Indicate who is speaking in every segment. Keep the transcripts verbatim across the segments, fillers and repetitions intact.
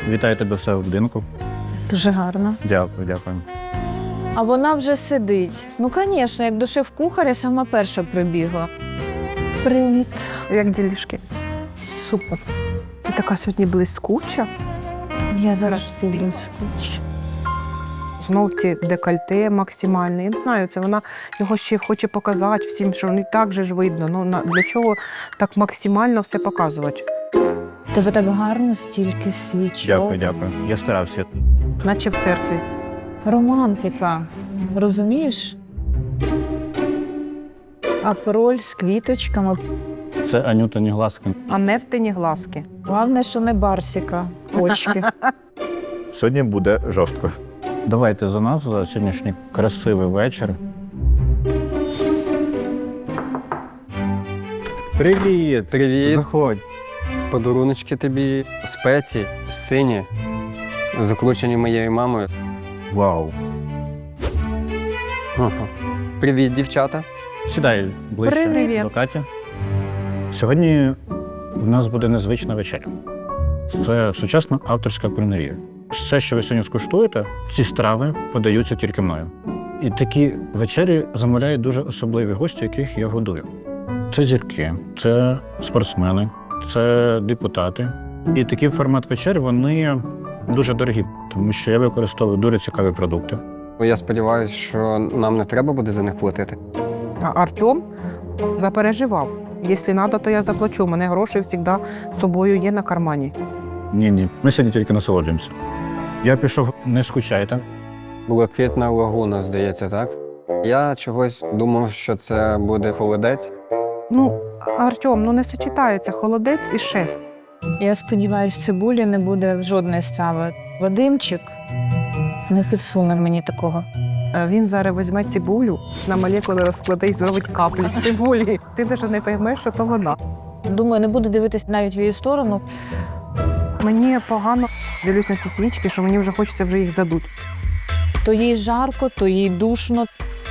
Speaker 1: Вітаю тебе все в будинку.
Speaker 2: Дуже гарно.
Speaker 1: Дякую, дякую.
Speaker 2: А вона вже сидить. Ну, звісно, як до шеф-кухаря сама перша прибігла. Привіт.
Speaker 3: Як ділішки?
Speaker 2: Супер.
Speaker 3: Ти така сьогодні блискуча.
Speaker 2: Я зараз сиджу скучу.
Speaker 3: Знов ці декольте максимальне. Я не знаю, це вона його ще хоче показати всім, що не так же ж видно. Ну, на- для чого так максимально все показувати?
Speaker 2: Тебе так гарно, стільки свічок.
Speaker 1: Дякую, дякую. Я старався.
Speaker 3: Наче в церкві.
Speaker 2: Романтика. Розумієш? Апероль з квіточками.
Speaker 1: Це Анютині глазки.
Speaker 3: Анеттині глазки.
Speaker 2: Головне, що не барсіка. Очки.
Speaker 1: Сьогодні буде жорстко. Давайте за нас, за сьогоднішній красивий вечір. Привіт!
Speaker 4: Привіт.
Speaker 1: Заходь.
Speaker 4: Подаруночки тобі, спеції, сині, закручені моєю мамою.
Speaker 1: Вау.
Speaker 4: Ага. Привіт, дівчата.
Speaker 1: Сідай ближче
Speaker 3: Привіт.
Speaker 1: до Каті. Сьогодні в нас буде незвична вечеря. Це сучасна авторська кулінарія. Все, що ви сьогодні скуштуєте, ці страви подаються тільки мною. І такі вечері замовляють дуже особливі гості, яких я годую. Це зірки, це спортсмени, це депутати. І такий формат вечер, вони дуже дорогі, тому що я використовую дуже цікаві продукти.
Speaker 4: Я сподіваюся, що нам не треба буде за них платити.
Speaker 3: А Артем запереживав. Якщо треба, то я заплачу. У мене гроші завжди з собою є на кармані.
Speaker 1: Ні-ні, ми сьогодні тільки насолоджуємося. Я пішов, не скучайте.
Speaker 4: Блакитна лагуна, здається, так? Я чогось думав, що це буде холодець.
Speaker 3: Ну, Артем, ну не сочетається холодець і шеф.
Speaker 2: Я сподіваюся, цибулі не буде жодної страви. Вадимчик не підсуне мені такого.
Speaker 3: Е, Він зараз візьме цибулю, на молекули розкладе і зробить каплю з цибулі. Ти навіть не поймеш, що то вона.
Speaker 2: Думаю, не буду дивитись навіть в її сторону.
Speaker 3: Мені погано дивлюсь на ці свічки, що мені вже хочеться вже їх задуть.
Speaker 2: То їй жарко, то їй душно.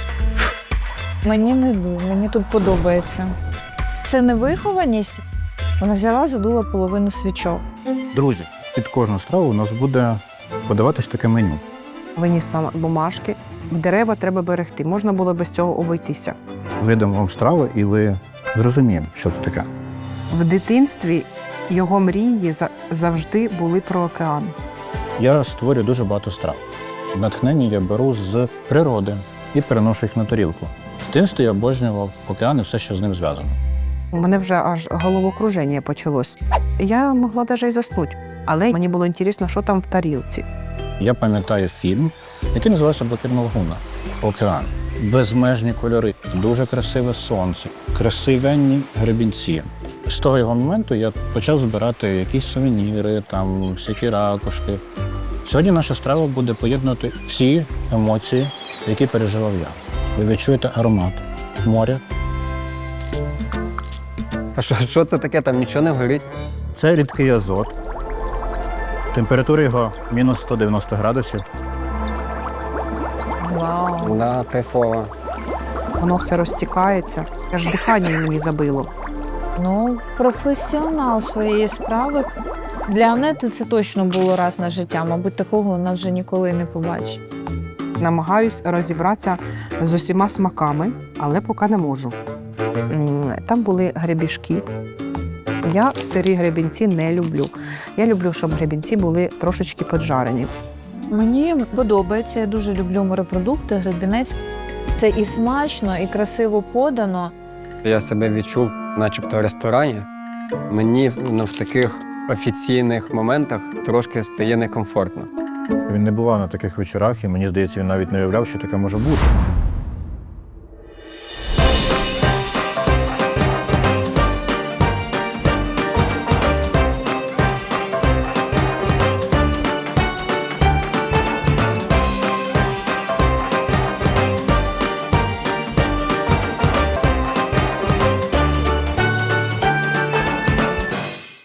Speaker 2: Мені не дуже, мені тут подобається. Це невихованість. Вона взяла, задула половину свічок.
Speaker 1: Друзі, під кожну страву у нас буде подаватись таке меню.
Speaker 3: Виніс нам бумажки. Дерева треба берегти. Можна було без цього обійтися.
Speaker 1: Видам вам страву, і ви зрозумієте, що це таке.
Speaker 3: В дитинстві його мрії за- завжди були про океан.
Speaker 1: Я створюю дуже багато страв. Натхнення я беру з природи і переношу їх на тарілку. В дитинстві я обожнював океан і все, що з ним зв'язано.
Speaker 3: У мене вже аж головокруження почалось. Я могла навіть і заснути. Але мені було цікаво, що там в тарілці.
Speaker 1: Я пам'ятаю фільм, який називається «Блакитна лагуна». Океан. Безмежні кольори, дуже красиве сонце, красивенні гребінці. З того його моменту я почав збирати якісь сувеніри, там, всякі ракушки. Сьогодні наша страва буде поєднувати всі емоції, які переживав я. Ви відчуєте аромат моря.
Speaker 4: А що, що це таке? Там нічого не горить.
Speaker 1: Це рідкий азот. Температура його мінус сто дев'яносто градусів.
Speaker 2: Вау.
Speaker 4: Да, кайфово.
Speaker 3: Воно все розтікається. Аж дихання мені забило.
Speaker 2: Ну, професіонал своєї справи. Для Анети це точно було раз на життя. Мабуть, такого вона вже ніколи не побачить.
Speaker 3: Намагаюсь розібратися з усіма смаками, але поки не можу. М, Там були гребішки. Я сирі гребінці не люблю. Я люблю, щоб гребінці були трошечки поджарені.
Speaker 2: Мені подобається, я дуже люблю морепродукти, гребінець. Це і смачно, і красиво подано.
Speaker 4: Я себе відчув начебто в ресторані. Мені ну, в таких офіційних моментах трошки стає некомфортно.
Speaker 1: Він не бував на таких вечорах, і мені здається, він навіть не уявляв, що таке може бути.